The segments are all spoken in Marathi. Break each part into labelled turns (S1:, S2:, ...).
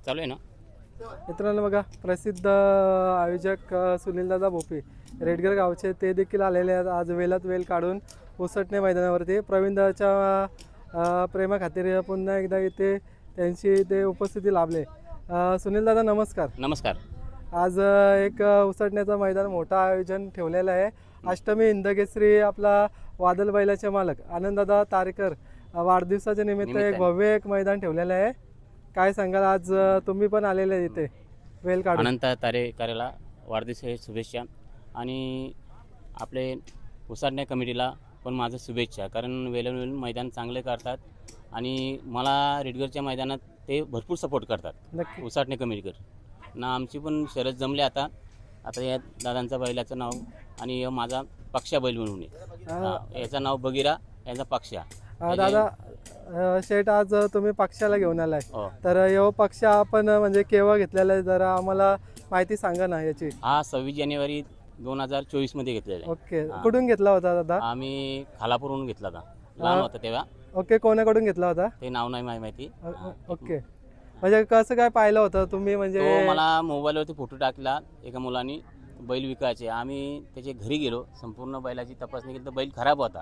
S1: चालू आहे ना.
S2: मित्रांनो बघा, प्रसिद्ध आयोजक सुनीलदादा भोपे रेडगर गावचे ते देखील आलेले आहेत आज वेलात वेल काढून उसटणे मैदानावरती. प्रवीणदाच्या प्रेमाखातीर पुन्हा एकदा इथे त्यांची ते उपस्थिती लाभले. सुनीलदादा नमस्कार.
S1: नमस्कार.
S2: आज एक उसटण्याचं मैदान मोठं आयोजन ठेवलेलं आहे. अष्टमी हिंदकेसरी आपला वादल बैलाचे मालक आनंददादा तारेकर वाढदिवसाच्या निमित्त एक भव्य एक मैदान ठेवलेलं आहे. काय सांगाल, आज तुम्ही पण आलेले इथे वेल काढून?
S1: अनंत तारेकरला वाढदिवसाच्या शुभेच्छा आणि आपले उसाटण्या कमिटीला पण माझं शुभेच्छा. कारण वेळोवेळी मैदान चांगले करतात आणि मला रेडगरच्या मैदानात ते भरपूर सपोर्ट करतात.
S2: नक्की.
S1: उसाटणे कमिटीकर ना आमची पण शरद जमले. आता या दादांचा बैलाचं नाव आणि माझा पक्षा बैल म्हणून आहे. याचं नाव बगीरा, याचा पक्षा.
S2: दादा शेठ, आज तुम्ही पक्षाला घेऊन आलाय,
S1: हो.
S2: तर यो पक्ष आपण म्हणजे केव्हा घेतलेला आहे, जरा आम्हाला माहिती सांगा ना याची.
S1: हा 26 जानेवारी 2024 मध्ये घेतलेला आहे.
S2: ओके, कुठून घेतला होता दादा?
S1: आम्ही खालापूरहून घेतला होता, लहान होता तेव्हा.
S2: ओके, कोणाकडून घेतला होता
S1: ते नाव नाही माहिती.
S2: ओके, म्हणजे कसं काय पाहिलं होतं तुम्ही? म्हणजे
S1: तो मला मोबाईलवरती फोटो टाकला एका मुलांनी, बैल विकायचे. आम्ही त्याच्या घरी गेलो, संपूर्ण बैलाची तपासणी केली तर बैल खराब होता.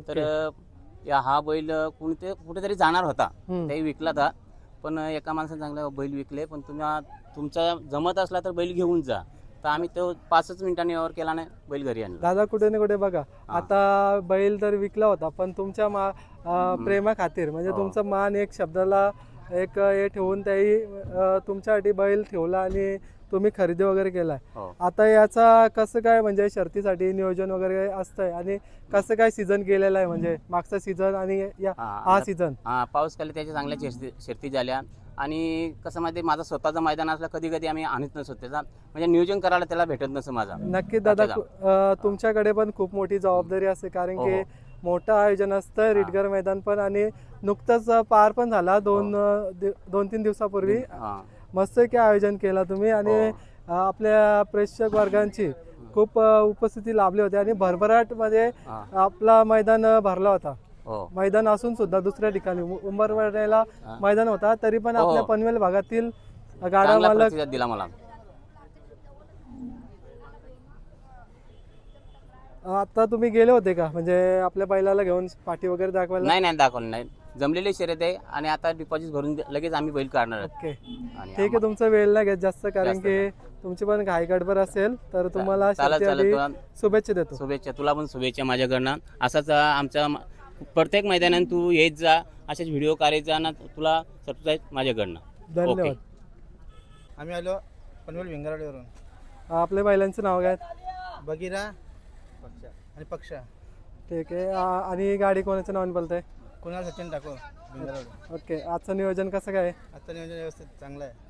S1: तर हा बैल कुठेतरी जाणार होता, ते विकला था. पण एका माणसाने चांगला बैल विकले, पण तुमचा जमत असला तर बैल घेऊन जा. तर आम्ही तो 5 मिनिटांनी व्यवहार केला, नाही बैल घरी आणला.
S2: दादा कुठे ना कुठे बघा, आता बैल तर विकला होता, पण तुमच्या प्रेमा खातीर म्हणजे तुमचा मान एक शब्दाला एक हे ठेवून त्याही तुमच्यासाठी बैल ठेवला आणि तुम्ही खरेदी वगैरे केलाय. आता याचा कसं काय म्हणजे शर्तीसाठी नियोजन वगैरे असतंय आणि कसं काय सीझन केलेलं आहे, म्हणजे मागचा सीझन आणि हा सीझन?
S1: पाऊस खाली त्याच्या चांगल्या शर्ती झाल्या आणि कसं माहिती, माझा स्वतःचं मैदान असलं कधी कधी आम्ही आणत नसतो त्याचा, म्हणजे नियोजन करायला त्याला भेटत नसतं माझा.
S2: नक्की दादा, तुमच्याकडे पण खूप मोठी जबाबदारी असते, कारण की मोठं आयोजन असतं रेडगर मैदान पण, आणि नुकतंच पार पण झाला 2-3 दिवसापूर्वी. मस्त की आयोजन केला तुम्ही आणि आपल्या प्रेक्षक वर्गांची खूप उपस्थिती लाभली होती आणि भरभराट मध्ये आपला मैदान भरला होता. मैदान असून सुद्धा दुसऱ्या ठिकाणी उंबरवाड्याला मैदान होता, तरी पण आपल्या पनवेल भागातील गाडा मालक
S1: दिला मला.
S2: आता तुम्ही गेले होते का म्हणजे आपल्या बैलाला घेऊन पाठी वगैरे दाखवायला?
S1: नाही दाखवलं नाही, जमलेली शर्यत आहे आणि आता डिपॉझिट भरून लगेच आम्ही बैल काढणार.
S2: ओके, ठीक आहे. तुमचा वेळ नाही घेत जास्त, कारण की तुमची पण घाई गडबड असेल, तर तुम्हाला शुभेच्छा देतो.
S1: शुभेच्छा, तुला पण शुभेच्छा माझ्याकडनं. असाच आमच्या प्रत्येक मैदानात तू येत जा, असेच व्हिडिओ करायचा ना, तुला सबस्क्राईब माझ्याकडनं.
S2: धन्यवाद.
S3: आम्ही आलो पनवेल विंगराडवरून.
S2: आपल्या बैलांचं नाव काय?
S3: बगीरा आणि पक्षा.
S2: ठीक आहे. आणि गाडी कोणाच्या नावाने बोलताय?
S3: कुणाल सचिन ठाकूर विंगराड.
S2: ओके, आजचं नियोजन कसं काय?
S3: आता नियोजन व्यवस्थित चांगलं आहे.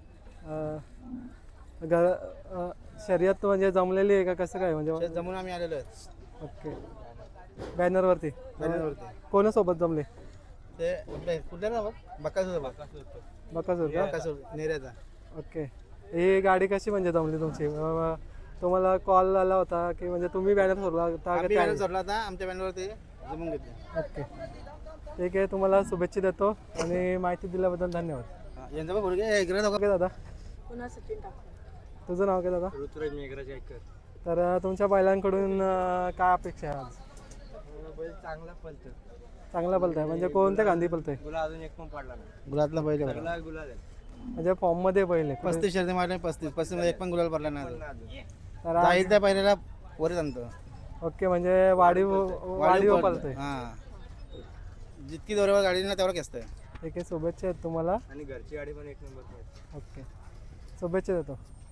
S2: शर्यत म्हणजे जमलेली आहे का, कसं काय म्हणजे?
S3: जमून आम्ही आलेलो आहे.
S2: ओके, बॅनरवरती. कोणासोबत जमले
S3: ते आपले कुठल्या ना बकासूर नेऱ्याचा.
S2: ओके, ही गाडी कशी म्हणजे जमली तुमची? तुम्हाला कॉल आला होता की म्हणजे तुम्ही बॅनर सोडला होता?
S3: बॅनर सोडला होता, आमच्या बॅनरवरती जमून घेतले.
S2: ओके, ठीक आहे. तुम्हाला शुभेच्छा देतो आणि माहिती दिल्याबद्दल धन्यवाद.
S3: यांचा पण भरगे
S2: दादा, तुझं नाव काय दादा?
S3: ऋतुराज मेघराज ऐकर.
S2: तर तुमच्या बैलांकडून काय अपेक्षा आहे आज?
S3: बैल चांगला पलतो.
S2: चांगला पलताय म्हणजे कोणत्या गांधी पलतोय?
S3: गुलाब अजून एक पण पडला नाही. गुलाबला बैल आहे, गुलाब आहे
S2: म्हणजे फॉर्म मध्ये बैल आहे.
S3: 35 शर्ती मारले, 35 मध्ये एक पण गुलाल पडला नाही. तर जाईल त्या पहिल्याला वर आणतो.
S2: ओके, म्हणजे वाढीव पलतोय.
S3: हां, जितकी जोरावर गाडी ना तेवढं असतं.
S2: ठीक आहे, शुभेच्छा आहेत तुम्हाला.
S3: आणि घरची गाडी पण एक नंबर.
S2: ओके, शुभेच्छा देतो.